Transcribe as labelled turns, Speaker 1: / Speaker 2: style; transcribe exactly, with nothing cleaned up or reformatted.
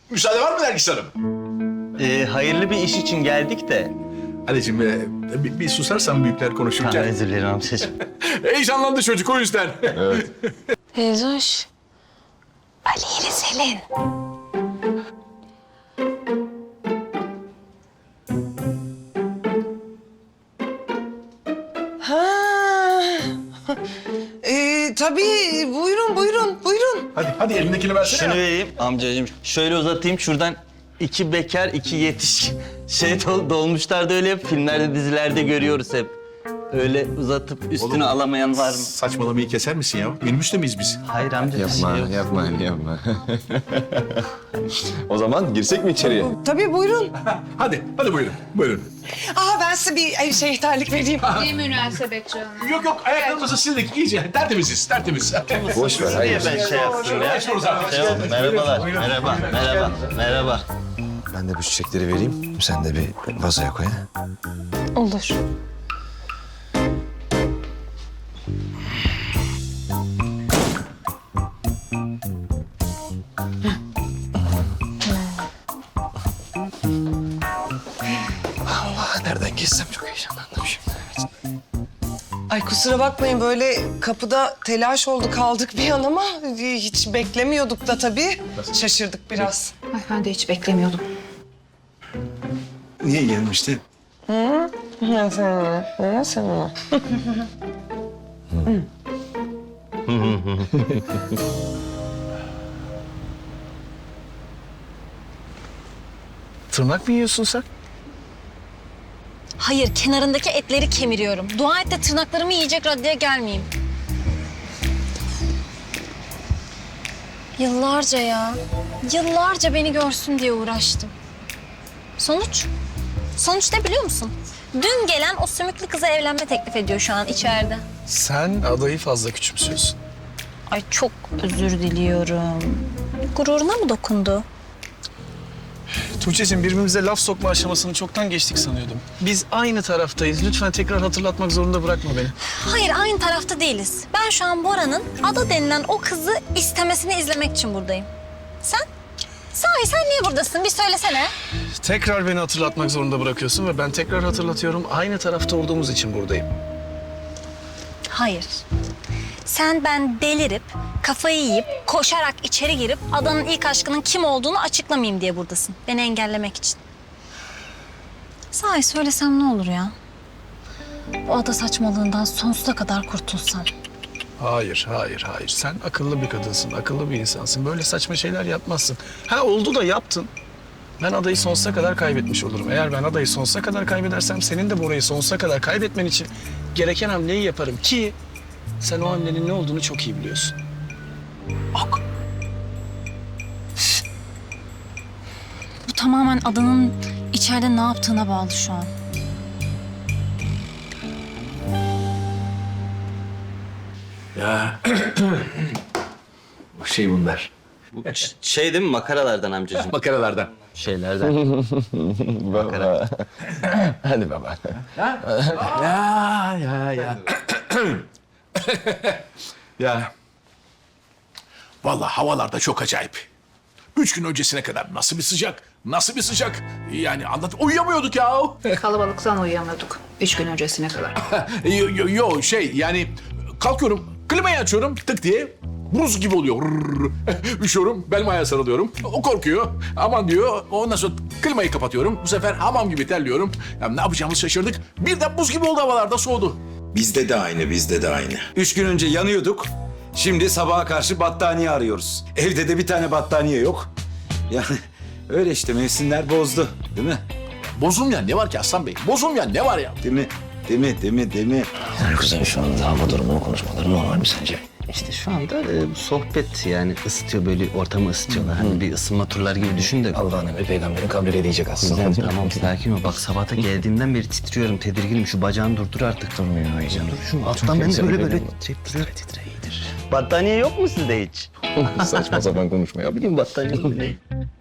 Speaker 1: Müsaade var mı Nergis Hanım?
Speaker 2: Ee, hayırlı bir iş için geldik de.
Speaker 1: Anneciğim e, bir, bir susarsan büyükler
Speaker 2: Ha,
Speaker 1: konuşurken.
Speaker 2: özür dilerim amcacığım.
Speaker 1: Heyecanlandı çocuk o yüzden.
Speaker 3: Teyzoş. Ali ile Selin.
Speaker 4: Ha. Ee, tabii buyurun buyurun buyurun.
Speaker 1: Hadi hadi elindekini versene.
Speaker 2: Şunu
Speaker 1: ya.
Speaker 2: vereyim amcacığım. Şöyle uzatayım şuradan. İki bekar, iki yetişkin. Şey dol- dolmuşlarda öyle hep filmlerde, dizilerde görüyoruz hep. Öyle uzatıp üstüne
Speaker 1: Oğlum,
Speaker 2: alamayan var mı?
Speaker 1: Saçmalamayı keser misin ya? Minibüste miyiz biz?
Speaker 2: Hayır amca. bir
Speaker 5: Yapma,
Speaker 2: şey yok.
Speaker 5: yapma, yapma. O zaman girsek mi içeriye?
Speaker 4: Tabii buyurun.
Speaker 1: Hadi hadi buyurun buyurun.
Speaker 4: Aa ben size bir e, şey terlik vereyim.
Speaker 6: Ne münasebet canım.
Speaker 1: Yok yok ayaklarımızı sildik iyice tertemiziz tertemiz.
Speaker 5: Boş ver,
Speaker 2: Niye
Speaker 5: hayır.
Speaker 2: ben şey yaptım ya?
Speaker 1: Geçiyoruz artık.
Speaker 2: Şey oldu, merhabalar, merhaba, merhaba, merhaba.
Speaker 5: Ben de bu çiçekleri vereyim, sen de bir vazoya koy. ha?
Speaker 3: Olur.
Speaker 5: Allah, nereden geçsem çok heyecanlandım şimdi.
Speaker 4: Ay kusura bakmayın böyle kapıda telaş oldu kaldık bir an ama hiç beklemiyorduk da tabii. Şaşırdık biraz.
Speaker 6: Ay ben de hiç beklemiyordum.
Speaker 5: Niye gelmişti?
Speaker 4: Nasıl? Nasıl?
Speaker 5: Tırnak mı yiyorsun sen?
Speaker 3: Hayır, kenarındaki etleri kemiriyorum. Dua et de tırnaklarımı yiyecek raddeye gelmeyeyim. Yıllarca ya, yıllarca beni görsün diye uğraştım. Sonuç? Sonuç ne biliyor musun? Dün gelen o sümüklü kıza evlenme teklif ediyor şu an içeride.
Speaker 7: Sen adayı fazla küçümsüyorsun.
Speaker 3: Ay çok özür diliyorum. Gururuna mı dokundu?
Speaker 7: Tuğçe'cim birbirimize laf sokma aşamasını çoktan geçtik sanıyordum. Biz aynı taraftayız. Lütfen tekrar hatırlatmak zorunda bırakma beni.
Speaker 3: Hayır, aynı tarafta değiliz. Ben şu an Bora'nın Ada denilen o kızı istemesini izlemek için buradayım. Sen? Sahi sen niye buradasın? Bir söylesene.
Speaker 7: Tekrar beni hatırlatmak zorunda bırakıyorsun ve ben tekrar hatırlatıyorum. Aynı tarafta olduğumuz için buradayım.
Speaker 3: Hayır. Sen ben delirip, kafayı yiyip, koşarak içeri girip Adanın ilk aşkının kim olduğunu açıklamayayım diye buradasın. Beni engellemek için. Sahi söylesem ne olur ya? Bu ada saçmalığından sonsuza kadar kurtulsam.
Speaker 7: Hayır, hayır, hayır. Sen akıllı bir kadınsın, akıllı bir insansın. Böyle saçma şeyler yapmazsın. Ha oldu da yaptın. Ben adayı sonsuza kadar kaybetmiş olurum. Eğer ben adayı sonsuza kadar kaybedersem senin de Bora'yı sonsuza kadar kaybetmen için gereken hamleyi yaparım ki sen o hamlenin ne olduğunu çok iyi biliyorsun.
Speaker 3: Ok. Bu tamamen Adanın içeride ne yaptığına bağlı şu an.
Speaker 1: Ya şey bunlar.
Speaker 2: Şey değil mi makaralardan amcacığım?
Speaker 1: Makaralardan.
Speaker 2: Şeylerden.
Speaker 5: Baba. Hadi baba.
Speaker 1: Ya ya ya. Ya. Vallahi havalar da çok acayip. Üç gün öncesine kadar nasıl bir sıcak, nasıl bir sıcak. Yani anlat, uyuyamıyorduk ya.
Speaker 6: Kalabalıktan uyuyamıyorduk. Üç gün öncesine kadar.
Speaker 1: yo, yo, yo, şey yani kalkıyorum, klimayı açıyorum tık diye. Buz gibi oluyor. Rrrr. Üşüyorum, belim ayağa sarılıyorum. O korkuyor. Aman diyor. Ondan sonra klimayı kapatıyorum. Bu sefer hamam gibi terliyorum. Ya ne yapacağımızı şaşırdık. Birden buz gibi oldu havalarda soğudu.
Speaker 8: Bizde de aynı, bizde de aynı. Üç gün önce yanıyorduk. Şimdi sabaha karşı battaniye arıyoruz. Evde de bir tane battaniye yok. Yani öyle işte mevsimler bozdu. Değil mi?
Speaker 1: Bozum ya ne var ki Aslan Bey? Bozum ya ne var ya?
Speaker 8: Değil mi? Değil mi? Değil mi? Değil mi?
Speaker 5: Yani kızın şu anda hava durumunu konuşmaları normal mi sence?
Speaker 2: İşte şu anda e, sohbet yani ısıtıyor böyle ortamı ısıtıyorlar. Hani bir ısınma turları gibi düşün de.
Speaker 5: Allah'ın emri peygamberin kabrine diyecek aslında.
Speaker 2: Güzel, tamam sakin ol. Bak sabahta geldiğimden beri titriyorum, tedirginim. Şu bacağını durdur artık.
Speaker 5: Durmuyor heyecan.
Speaker 2: Dur şu alttan ben de böyle böyle titreyip duruyor.
Speaker 5: Titre iyidir.
Speaker 2: Battaniye yok mu sizde hiç?
Speaker 5: Saçma sapan konuşma ya.
Speaker 2: Bileyim battaniye mi?